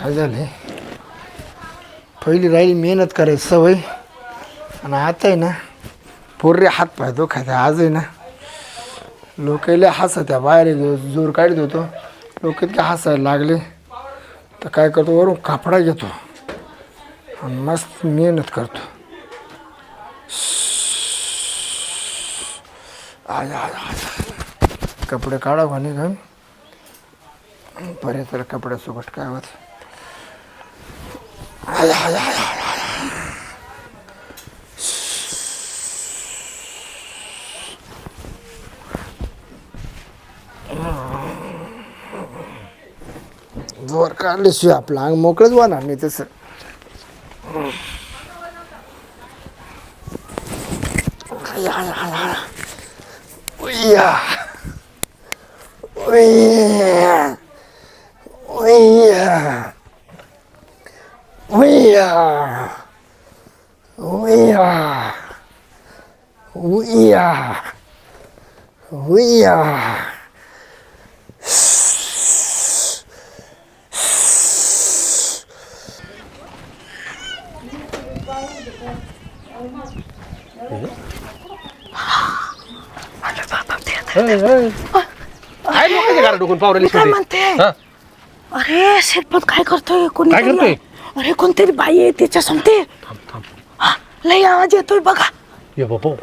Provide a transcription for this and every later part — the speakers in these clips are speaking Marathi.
काय झालं पहिली राहिली मेहनत करायची सवय आणि आता आहे ना पूर्रे हात पाय दुखायचे आज आहे ना लोकांना हसत्या बाहेर जोर काढत होतो लोक इतके हसायला लागले तर काय करतो वरून कापडा घेतो आणि मस्त मेहनत करतो कपडे काढा म्हणे घाल बरे तर कपड्यासोबत काय होत जोर काढल्याशिवाय आपलं अंग मोकळंच होणार नाही तसं उय्या उय्या उय्या उय्या उय्या उय्या उय्या काय लोकांच्या घरात डुकून पावरेली काय म्हणते अरे शेतपत काय करतोय कोणी काय करतोय? अरे कोणतरी बाई आहे त्याच्या समते थांब थांब लई आवाज येतोय बघा ये बाबा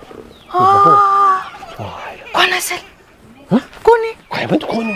कोण असेल कोणी काय म्हणतो कोण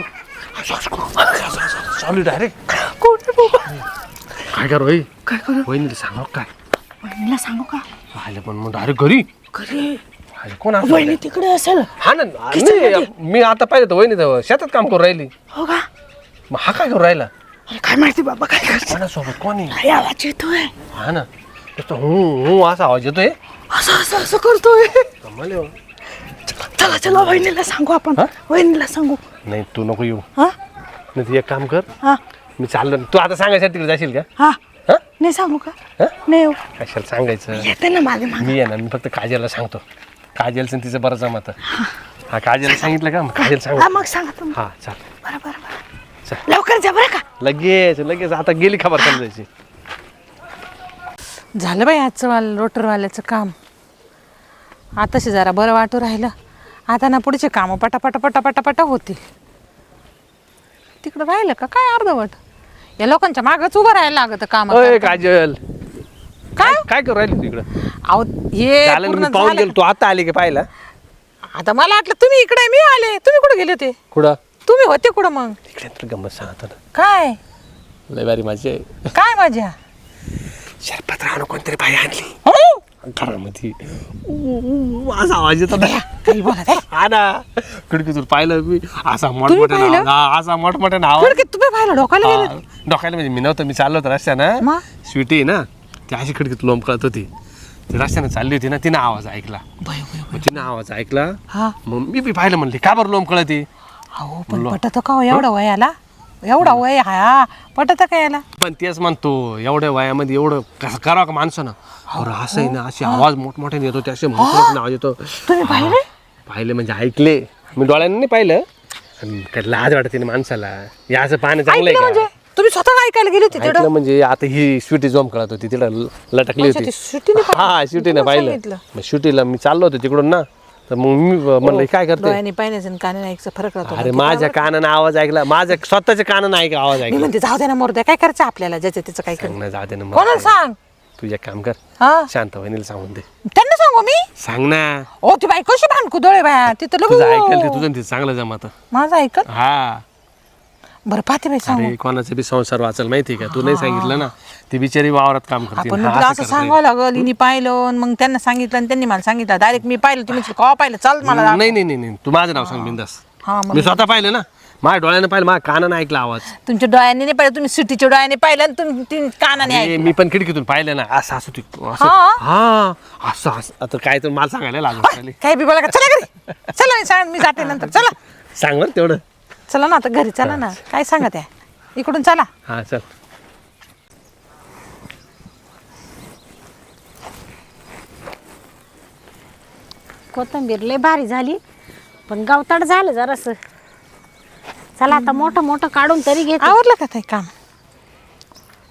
चालू डायरेक्ट कोण बाबा काय कर होई काय करू वहिनीला सांगा काय वहिनीला सांगू का आले पण मग डायरेक्ट घरी घरी आले कोण असं वहिनी तिकडे असेल हा ना नाही, मी आता पाहिलं तर वहिनी तर शेतात काम करून राहिली हो का मग हा काय करून राहिला अरे काय माहिती बाबा काय करते कोणासोबत कोणी काय आवाज येतोय हा ना नुसतं हू असा आवाज येतोय असं असं असं करतोय कमाल आहे हो. चला चला वहिनीला सांगू आपण हा? वहिनीला सांगू नाही तू नको येऊ हा नाही तू एक काम कर हा मी चाललो तू आता सांगायसाठी तिकडे जाशील का हा हा नाही सांगू का हा? नाही येऊ. कशाला सांगायचं येते ना माझे मागे मी आहे ना मी फक्त काजलला सांगतो काजलचं तिचं बरं जमत हा काजलला सांगितलं का मग काजल सांग हा मग सांगा तुम्ही हा चाल बरं बरं बरं चल. लवकर जा बरं का लगेच आता गेली खबर समजायची झालं बाई आजचं रोटरवाल्याचं काम आताशी जरा बरं वाटू राहिलं आता ना पुढचे कामं पटापटा होतील तिकडं राहिलं का काय अर्धवट या लोकांच्या मागच उभं राहायला लागतं काम अय काजल काय काय करू राहिली तिकडं अहो हे झालं ना, पूर्ण मी पाहून झालं. गेलो तू आता आली का पाहिला आता मला वाटलं तुम्ही इकडे मी आले तुम्ही कुठे गेले होते कुठं तुम्ही होते कुठं मग इकडे तर गंमत सांगतो ना काय लय बारी माझी आहे काय मजा शरपत राहणं कोणतरी बाई आणली घरामध्ये असा आवाज येतो ना काही बोला काय हा ना खिडकीतून पाहिलं मी असा पाहिलं? मोठमोठ्या असा मोठमोठ्या नाव खिडकीत तुम्ही पाहिलं डोकायला गेले डोकायला म्हणजे मी नव्हतं मी चाललो होतो रस्त्यानं मग? स्वीटी आहे ना ती अशी खिडकीत लोंब कळत होती ती रस्त्यानं चालली होती ना तिनं आवाज ऐकला बाई, बाई, बाई. मग तिनं आवाज ऐकला हा मग मी बी पाहिलं म्हणले का बरं लोंब कळती अहो पण पटत का हो एवढा वयाला एवढा वय हा पटत का याला पण तेच म्हणतो एवढ्या वयामध्ये एवढं कसं करावं का माणसानं अरे असं आहे ना असे आवाज मोठमोठ्याने येतो ते असे मोठमोठ्याने आवाज येतो तुम्ही पाहिले पाहिले म्हणजे ऐकले मी डोळ्यांनी नाही पाहिलं आणि काय लाज वाटते ना माणसाला या असं पाहणं चांगलं ऐकलं आहे म्हणजे का तुम्ही स्वतः ऐकायला गेले होते ऐकलं म्हणजे आता ही स्वीटी जोम कळत होती तिला लटकली अच्छा, होती ती स्वीटीने पाहिलं? हा स्वीटीने तुम्हाला पाहिलं सांगितलं? मग स्वीटीला मी चाललो होतो तिकडून ना तर मग मी म्हणलं काय करते डोळ्याने पाहिण्याचं आणि कानाने ऐकचं फरक राहतो अरे माझ्या कानानं आवाज ऐकला माझ्या स्वतःच्या कानानं ऐक आवाज मी ऐकला म्हणते जाऊ दे ना मोरद्या काय करायचं आपल्याला ज्याचं त्याचं काय सांग कर ना जाऊ दे ना कोणाला सांग तू एक काम कर हा शांत वहिनीला सांगून दे त्यांना सांगू मी सांग ना ओ ती बाई कशी भांडकू डोळे बाया तिथं तुझं ऐकेल ते लगू तुझं ते चांगलं जमत माझं ऐकत हा बरं पाहते बाई सांगू अरे कोणाचा बी संसार वाचल माहिती का तू नाही सांगितलं ना ती बिचारी वावरात काम करते आपण हा, म्हटलं असं करते. सांगावं लागल हिने पाहिलं आणि मग त्यांना सांगितलं आणि त्यांनी मला सांगितलं डायरेक्ट मी पाहिलं तुम्ही कवा पाहिलं चाल मला दाखव. नाही तू माझं नाव सांग बिंदास हा मग मी स्वतः पाहिलं ना माझ्या डोळ्यानं पाहिलं माझ्या कानानं ऐकला आवाज तुमच्या डोळ्यांनी नाही पाहिलं तुम्ही सिटीच्या डोळ्याने पाहिलं आणि तुम्ही ती कानाने अरे, मी पण खिडकीतून पाहिलं ना असं असं असं हा? हा असं आता काय तर मला सांगायला लागलं ऐकलं काय बी बोला का चला घरी चला मी सांग मी जाते नंतर चला सांग बरं तेवढं चला ना आता घरी चला ना काय सांगत आहे इकडून चला हा चल कोथिंबीर लय भारी झाली पण गवताळ झालं जरासं चला आता मोठं मोठं काढून तरी घेते आवरलं का ते काम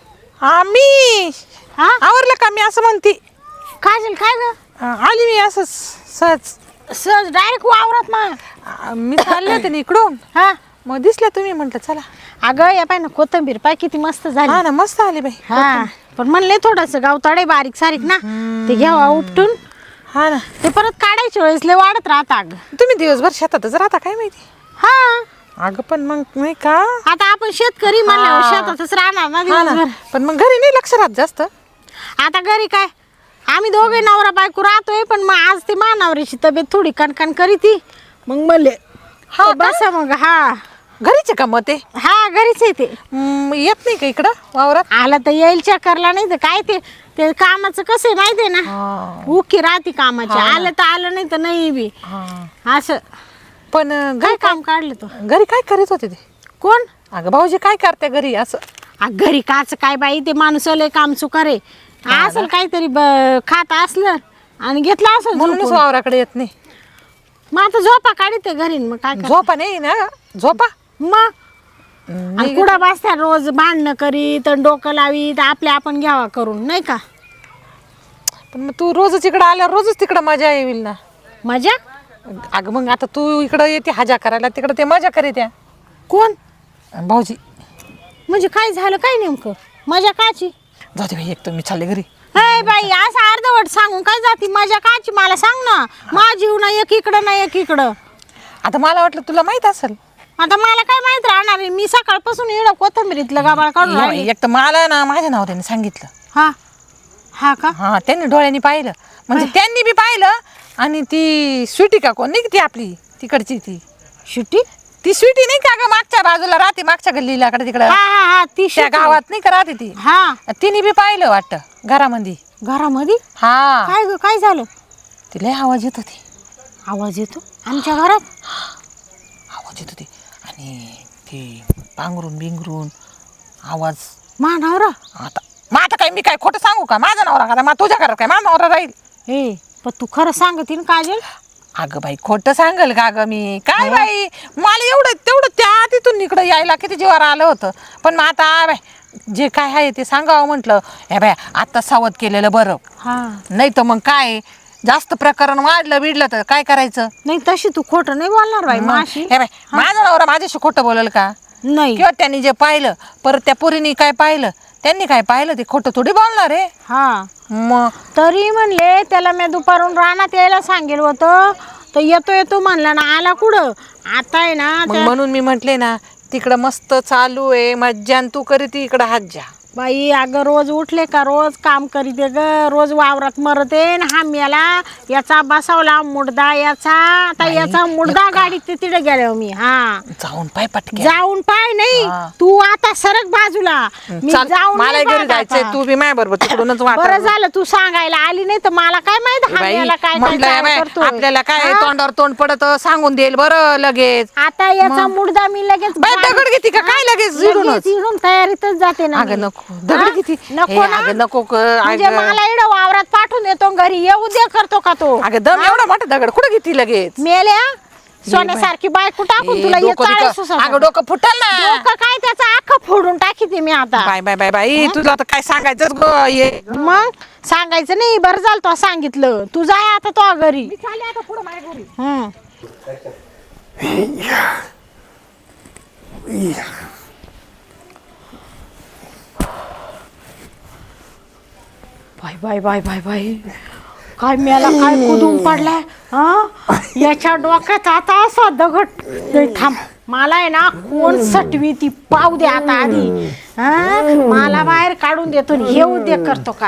आम्ही हा आवरलं का मी असं म्हणते. काजल काय ग आली मी असंच सहज. सहज डायरेक्ट वावरात मग मी चालले होते ना इकडून, हा मग दिसल्या तुम्ही, म्हटलं चला. अगं या पाय ना कोथंबीर पाय किती मस्त झाली. हा ना, मस्त आली बाई. हा पण म्हणले थोडस गावताडे बारीक सारीक ना ते घ्यावा उपटून. हा ना, ते परत काढायच्या वेळेस लय वाढत राहता अगं. तुम्ही दिवसभर शेतातच राहता काय माहिती. हा अगं पण मग नाही का. आता आपण शेतकरी म्हणल्यावर शेतातच राहणार ना हा ना, दिवसभर. पण मग घरी नाही लक्ष राहत जास्त. आता घरी काय आम्ही दोघे नवरा बायको राहतोय, पण मग आज ती मानावरीची तब्येत थोडी कणकण करी ती, मग म्हणले हा बसा मग. हा घरीचे का मग ते? हा घरीच आहे ते. येत नाही का इकडं वावरात? आला तर येईल चक्करला, नाही तर काय ते ते कामाचं कसं आहे माहिती आहे ना, उकी राहते कामाची. आलं तर आलं, नाही तर नाही बी असं. पण काय काम काढलं तो? घरी काय करीत होते ते? कोण? अगं भाऊजी काय करते घरी असं? घरी काच काय बाई, ते माणूस लय काम चुकारे असं काहीतरी खात असलं आणि घेतलं असं म्हणूनच वावराकडे येत नाही. मग आता झोपा काढते घरी, मग काय करते? झोपा नाही ना, झोपा मग आणि कुठं बसत्या रोज भांडणं करीत आणि डोकं लावीत, आपल्या आपण घ्यावा करून, नाही का? पण मग तू रोजच इकडं आल्यावर रोजच तिकडं मजा येईल ना. मजा? अगं मग आता तू इकडं येते हजा करायला, तिकडं ते मजा करीत या. कोण? भाऊजी. म्हणजे काय झालं काय नेमकं? मजा काची? जाऊ दे बाई, एक तर मी चालले घरी. हे बाई असं अर्धवट सांगून काय जाती? मजा काची मला सांग ना. माझी ना एक इकडं ना एक इकडं. आता मला वाटलं तुला माहित असेल. आता मला काय माहित राहणार आहे? मी सकाळपासून येणं कोथंबीरीतलं गाबाळ काढून राहिली. एक तर मला ना माझ्या नवऱ्याने सांगितलं. हा हा का? हा, त्यांनी डोळ्यांनी पाहिलं, म्हणजे त्यांनी बी पाहिलं. आणि ती स्वीटी का कोण नाही ती आपली तिकडची, ती शिट्टी? ती स्वीटी नाही का ग, मागच्या बाजूला राहते, मागच्या गल्लीला कडे तिकडं हा हा हा ती त्या शिट्टी. गावात नाही का राहते ती. हा तिने बी पाहिलं वाटतं घरामध्ये. घरामध्ये? हा, काय ग काय झालं? तिला आवाज येत होती. आवाज येतो आमच्या घरात? आवाज येत होती आणि ती पांघरून बिंगरून आवाज. मानावरा? आता मग आता काय मी काय खोटं सांगू का? माझा नवरा का मग तुझ्या घरात काय माझा नवरा राहील? हे पण तू खरं सांगते ना काजल? अगं बाई खोटं सांगल का ग मी? काय बाई, मला एवढं तेवढं त्या तिथून इकडं यायला किती जीवावर आलं होतं. पण मग आता बाय जे काय आहे ते सांगावं म्हटलं. हे बाय आता सावध केलेलं बरं. हा नाही तर मग काय जास्त प्रकरण वाढलं बिडलं तर काय करायचं? नाही तशी तू खोटं नाही बोलणार बाई माशी. हे बाय माझा नवरा माझ्याशी खोटं बोलल का? नाही. किंवा त्यांनी जे पाहिलं परत त्या पोरीने काय पाहिलं, त्यांनी काय पाहिलं ते खोटं थोडी बोलणार आहे. हा मग तरी म्हणले त्याला मी दुपारून रानात यायला सांगेल होतं, तर येतो येतो म्हणला ना, आला कुठं? आता आहे ना मग म्हणून मी म्हटले ना तिकडं मस्त चालू आहे मज्जा, तू करीत इकडं हात जा. बाई अगं रोज उठले का रोज काम करीते ग, रोज वावरात मरते ना. हा मेला याचा बसवला मुडदा याचा, आता याचा मुडदा गाडीत तिथे गेलो मी. हा जाऊन पाय पटके. जाऊन पाय नाही हा. तू आता सरक बाजूला. मी चाल, जाऊन मला नाही घरी पाहत जायचंय, आता. तू बी माझ्या बरोबर तिकडूनच बरं वाट. झालं तू सांगायला आली, नाही तर मला काय माहित हा मेला काय काय म्हटलं चाल करतोय. आपल्याला काय हा? तोंडावर तोंड पडत सांगून देईल बरं लगेच. आता याचा मुडदा मी लगेच बाई, दगड घेती का काय लगेच इडूनच? लगेच इडून तयारीतच जाते ना. अगं मी. नको दगड हा? किती. नको ना? अगं नको म्हणजे मला इकडं वावरात पाठवून देतो, घरी येऊ दे करतो का तो? अगं दम एवढा मोठा दगड कुठं घेती लगेच? मेल्या सोन्यासारखी बायको टाकून तुला अगं डोकं फुटल ना. डोकं काय त्याचं अख्खं फोडून टाकी ते मी आता. बाय बाय बाय बाई, तुला आता काय सांगायचं ग ये. मग सांगायचं नाही, बरं झालं तो सांगितलं. तू जाय आता तो घरी. हम्म. Bye bye bye bye bye, काय मेला काय कुदून पडलाय. हा याच्या डोक्यात आता असा दगड. नाही, थांब मला आहे ना कोण सटवी ती पाव दे आता आधी. हा मला बाहेर काढून देतो, हे उद्योग करतो का?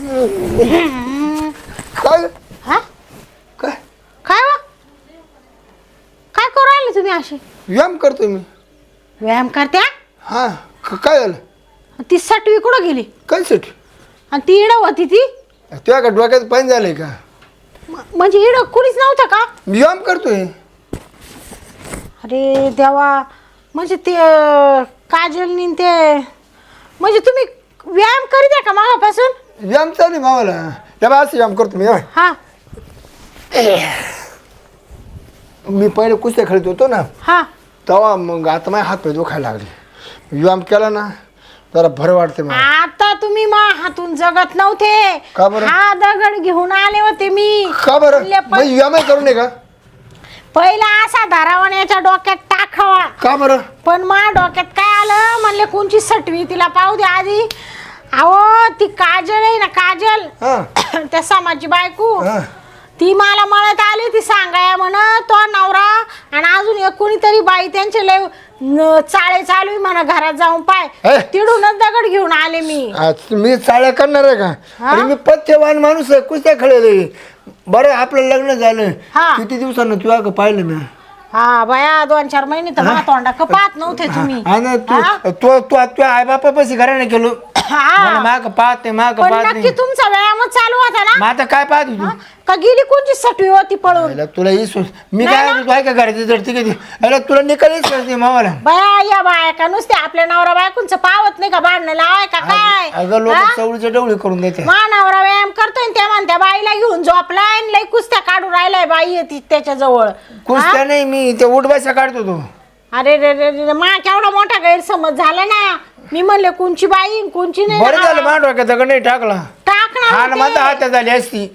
काय हा काय काय वा काय करू राहिले तुम्ही असे? व्यायाम करतो मी. व्यायाम करत्या? हा काय झालं? ती सटवी कुठं गेली? काय साठी? आणि ती इड होती ती? तुझ्या का डोक्यात पाणी झालंय का? म्हणजे इड कुणीच नव्हतं का? मी व्यायाम करतोय. अरे देवा, म्हणजे ते काजलनी ते, म्हणजे तुम्ही व्यायाम करीत आहे का मागापासून? व्यायाम चालू आहे मावाला. या बा असं व्यायाम करतो मी. हा मी पहिले कुस्त्या खेळत होतो ना, हा तेव्हा मग आता माझे हात पाय दुखायला लागले. व्यायाम केला ना जरा भर वाटते मला. आता तुम्ही मा हातून जगत नव्हते. का बरं? हा दगड घेऊन आले होते मी. का बरं म्हणले मग EMI करू नये का? पहिला असा धारावान याच्या डोक्यात टाकावा. का बरं? पण मा डोक्यात काय आलं, म्हणले कोणची सटवी तिला पाहू दे आधी. अहो ती काजल आहे ना, काजल हा त्या समाजची बायको, हा. ती मला म्हणत आली, ती सांगाया म्हण तो नवरा आणि अजून एक कोणीतरी बाई त्यांचे लय चाळे चालू आहे म्हणा, घरात जाऊन पाय. हे? तिडूनच दगड घेऊन आले मी. मी चाळ्या करणार आहे का? आणि मी पथ्यवान माणूस आहे, कुस्त्या खेळले. बरं आपलं लग्न झालं हा. किती दिवसानं तुला का पाहिलं मी? हा बाया 2-4 महिने तर मा तोंडा पाहत नव्हते तुम्ही. तू आई बापा पैसे घराने केलो माग पाहत नाही माग पण पाहत नक्की नाही. तुमचा व्यायामच चालू होता ना? मग आता काय पाहत होती? का गेली कोणची सटवी होती पळून? पहिला तुला इसोस मी काय म्हणतो, आहे का घराची जडती किती अरे तुला निकालीच करते मावाला. बाया या बाया का नुसते आपल्या नवरा बायकोंचं पावत नाही का, भांडणं लावाय का काय? अगं लोक चवळीचे डवळे करून देते. मा नवरा व्यायाम करतोय त्या म्हणत्या बाईला घेऊन झोपलाय आणि लई कुस्त्या काढून राहिलाय बाई येते त्याच्या जवळ. कुस्त्या नाही मी ते उठबाशा काढतो तो. अरे रे रे रे, मा केवढा मोठा गैरसमज झाला ना. मी म्हणले कोणची बाई कोणची नाही. बरं झालं मा डोक्यात दगड नाही टाकला. टाकणार हा ना होते. माझा हात झाली असती.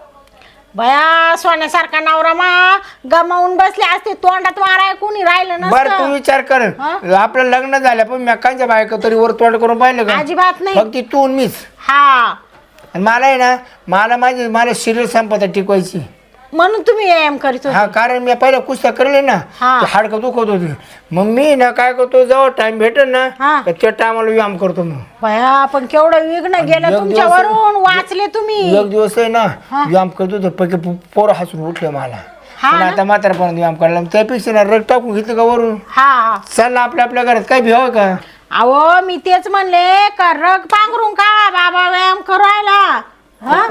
बया सोन्यासारखा नवरा मा गमावून बसले असते, तोंडात माराय कोणी राहिलं बरं तू नसतं. विचार कर आपलं लग्न झालं पण मेकांच्या बायका तरी वर तोंड करून पाहिलं का? अजिबात नाही. फक्त तू आणि मीच. हा आणि मला आहे ना मला शरीर संपदा टिकवायची. म्हणून तुम्ही व्यायाम करीत होते. हा कारण मी पहिल्या कुस्त्या करले ना हा. ते हाडकं दुखत होती. मग मी ना काय करतो जेव्हा टाइम भेटेल ना हा. तर त्या टायमाला व्यायाम करतो. मग बया पण केवढं विघ्न गेलं एक तुमच्यावरून, वाचले तुम्ही. एक दिवस आहे ना व्यायाम करतो तर पैकी पोरं हसून उठले मला. हा पण ना? आता म्हातारपणात व्यायाम करायला त्यापेक्षा ना रग टाकून घेतलं का वरून हा चाललं आपल्या घरात काय भिव का? अहो मी तेच म्हणले का रग पांघरून का बाबा व्यायाम करायला. हा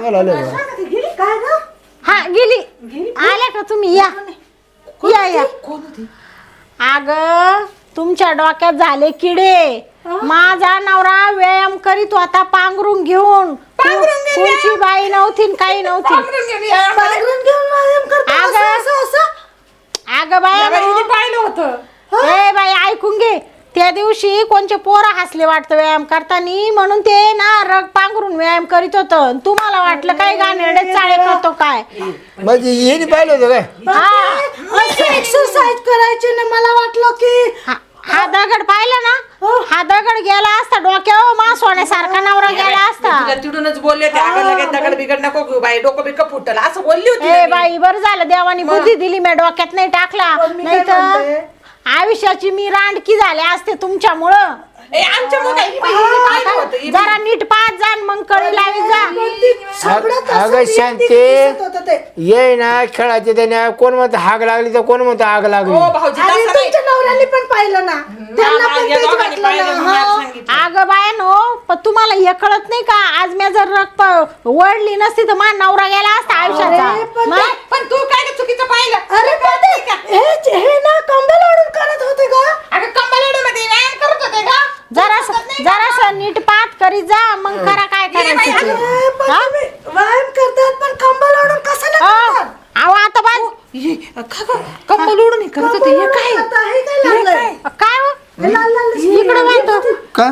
हा गेली आल्या का तुम्ही? या या. अग तुमच्या डोक्यात झाले किडे. माझा नवरा व्यायाम करीत होता पांघरून घेऊन. कोणची बाई नव्हती न काही नव्हती. अग बाया पाहिलं होतं. ए बाई ऐकून घे. त्या दिवशी कोणचे पोरं हसले वाटतं व्यायाम करताना, म्हणून ते ना रग पांघरून व्यायाम करीत होतं. तुम्हाला वाटलं काय गाणेरडे चाळे करतो काय? म्हणजे येणे पाहिलं होतं काय? एक्सरसाइज करायची ना, मला वाटलं की हा दगड पाहिला ना, हा दगड गेला असता डोक्यावर, मा सोन्यासारखा नवरा गेला असता. तुला तिडूनच बोलले ते अगं लगेच दगड बिगड नको घेऊ बाई, डोकं बिकं फुटलं असं बोलली होती ए ना मी. बाई बरं झालं देवानी बुद्धी दिली, मी डोक्यात नाही टाकला. नाही तर आयुष्याची मी रांडकी झाले असते तुमच्यामुळं. ए आमच्या मुलं ही बाई, हिने पाहिलं होतं, ही जरा नीट पाहत जा मग कळी लावी जा. अगं शांती ये ना खेळायचे त्याने कोण म्हणतं हाग लागली तर कोण म्हणतं आग लागली. ओ भाऊजी तसं नाही. तुमच्या नवऱ्याने पण पाहिलं ना, त्यांना पण या तेच दोघांनी वाटलं पाहिलं, ना. मग मला हा. सांगितलं. अगं बायानो, पण तुम्हाला हे कळत नाही का, आज मी जर रक्त वळली नसती तर माझा नवरा गेला असता आयुष्याचा. पण मग? पण तू काय ते चुकीचं पाहिलं. अरे पण हे ना कंबल ओढून करत होते का? अगं कंबलमध्ये व्यायाम करत होते का? जरासं नीट पात करीत जा मग करा काय करायचं ते. ए, पण हा? तुम्ही व्यायाम करतात पण कंबल ओढून कशाला करतात? अहो आता बाज ये, का गं? कंबल ओढून हे करत होते, हे काय? आता हे काय लागलंय? काय हो? हे लाल लाल इकडे बांधतो. का?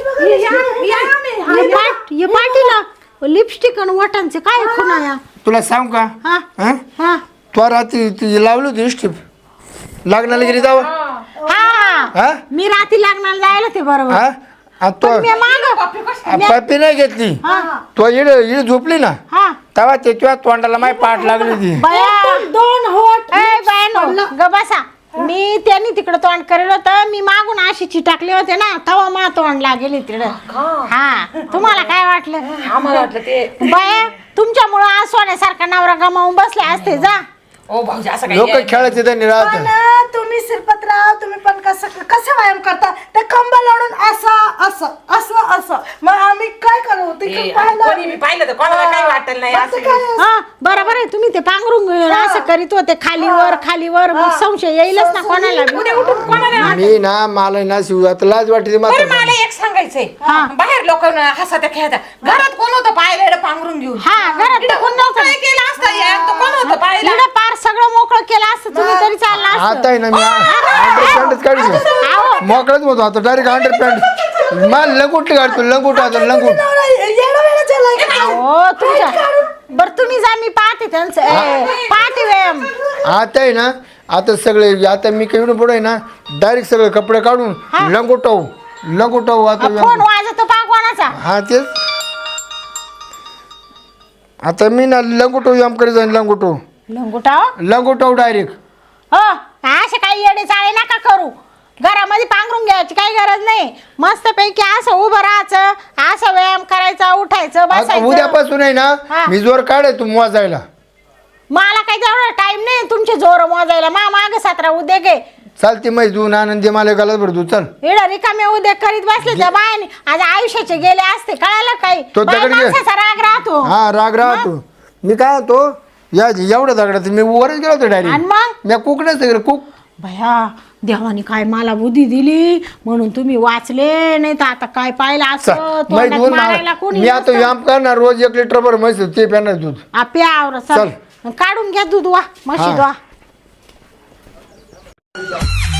हे पाटीला लिपस्टिक आणि वटांचे काय खुणा या? तुला सांग का हा हा? हा तो रात्री ती लावली होती स्टिप लग्नाला गेली जावं हा हा मी रात्री लग्नाला जायला ते बरोबर. हा आणि तो मी माग पप्पी नाही घेतली तो इड झोपली ना हा तेव्हा ते तुझ्या तोंडाला माय पाठ लागली ती. बया दोन होट ए बायनो ग बसा. मी त्यांनी तिकडं तोंड करेल होतं, मी मागून अशी चिटाकले होते ना, तवा मा तोंड लागेल तिकडं. हा तुम्हाला काय वाटलं? आम्हाला वाटलं ते. बाया तुमच्यामुळं आज सोन्यासारखा नवरा गमावून बसले असते. जा ओ भाऊजी असं काय लोक खेळायचे त्यांनी राहत पण तुम्ही शिरपतराव तुम्ही पण कसं व्यायाम करता? ते कंबल ओढून असं असं असं असं, मग आम्ही काय करू? ते ए, पाहिलं. कोणी मी पाहिलं तर कोणाला काही वाटेल नाही मग ते असं. काय? हा बरोबर आहे. तुम्ही ते पांघरून घेऊन असं करीत होते खालीवर मग संशय येईलच ना कोणाला बी. उद्या उठून कोणाला मी ना मला ना शिवजात लाज वाटते बरं मात्र मला एक सांगायचंय, बाहेर लोक हसत्या खेळत्या, घरात कोण होतं पाहिलं एवढं पांघरून घेऊन? हा घरात तर कोण नव्हतं. काय केलं असतं या? तो कोण होतं पाहिलं? इकडं पार सगळं मोकळं केलं असतं तुम्ही तरी चाललं आता असतं. आहे ना मी अंडरपॅन्टच काढली मोकळच होतो आता डायरेक्ट अंडरपॅन्ट मला लंगोटी काढतो लंगोट आता लंगोट हो तुमच्या बर तुम्ही जा मी पाहते त्यांचं पाहते व्यायाम आता आहे ना आता सगळे आता मी काही पुढे ना डायरेक्ट सगळे कपडे काढून लंगोटावू आता फोन वाजतो पा कोणाचा हा तेच आता मी ना लंगोटो व्यायाम करीत जाईन लंगोटाव डायरेक्ट हो असे काही येडे चाळे नका करू घरामध्ये पांघरून घ्यायची काही गरज नाही मस्त पैकी असं उभं राहायचं असं व्यायाम करायचा उठायचं आता बसायचं उद्यापासून आहे ना हा. मी जोर काढे तू मोजायला मला काही तेवढा टाइम नाही तुमचे जोर मोजायला माग 17 उद्योग आहे चालते मै दून आनंदी मला गलत भर तू चल इडं रिकामे उद्योग करीत बसले त्या बायाने आज आयुष्याचे गेले असते कळालं काही तो बाया दगड घे. माणसाचा राग राहतो हा राग राहतो मी काय होतो या एवढ्या दगडात मी वरच गेलो होतो आणि डायरेक्ट मग मी कुक नसतं कुक भया देवाने काय मला बुद्धी दिली म्हणून तुम्ही वाचले नाही तर आता काय पाहिलं असं मै तोंडात दून मारायला कोणी मी आता नसतं. व्यायाम करणार रोज 1 लिटर भर म्हैस ते पिणार दूध आपे आवर चल. काढून घ्या दूध वा म्हशी हा. वा